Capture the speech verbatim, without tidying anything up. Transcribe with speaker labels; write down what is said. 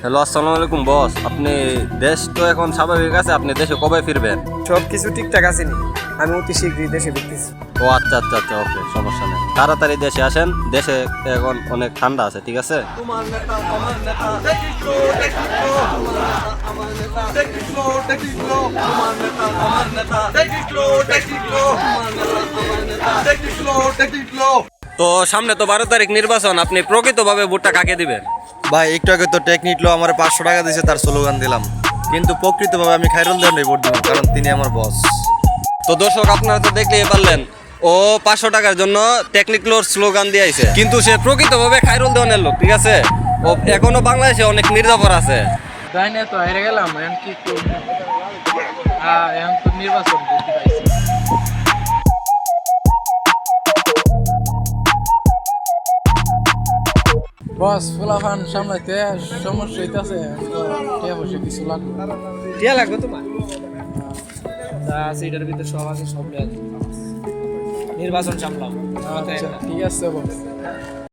Speaker 1: Hello, আসসালামু আলাইকুম বস। আপনি দেশ তো এখন স্বাভাবিক আছে, আপনি দেশে কবে ফিরবেন?
Speaker 2: সব কিছু ঠিকঠাক আছে নি, আমি অতি শীঘ্রই দেশে ফিরতেছি।
Speaker 1: ও আচ্ছা আচ্ছা আচ্ছা, ওকে, সমস্যা নেই। তাড়াতাড়ি দেশে আসেন, দেশে এখন অনেক ঠান্ডা আছে, ঠিক আছে? তো সামনে তো বারো তারিখ নির্বাচন, আপনি প্রকৃতভাবে ভোটটা কাকে দিবেন?
Speaker 3: ভাই একটু আগে তো টেকনিক লো আমার পাঁচশো টাকা দিয়েছে, তার স্লোগান দিলাম, কিন্তু প্রকৃতভাবে আমি খায়রুল দেওয়ার ভোট দিব, কারণ তিনি আমার বস।
Speaker 1: তো দর্শক, আপনারা তো দেখলেই পারলেন, ও পাঁচশো টাকার জন্য টেকনিক্লোর স্লোগান দিয়ে আইছে, কিন্তু সে প্রকৃতভাবে খায়রুল দেওয়ানের লোক, ঠিক আছে? ও এখনো বাংলাদেশে অনেক মির্জাফর আছে।
Speaker 4: তাই না, তো হেরে গেলাম। এখন কি করব? হ্যাঁ, এখন তো নির্বাচন করতে পাইছি। বস, ফুলাফান সামলাইতে সমস্যা হইতাছে, তো টিয়া পয়সা কিছু লাগবে।
Speaker 2: টিয়া লাগবে তোমার? তা সেইটার ভিতরে সব আছে, সব দেওয়া আছে। নির্বাচন সামলাম।
Speaker 4: আচ্ছা, ঠিক আছে বস।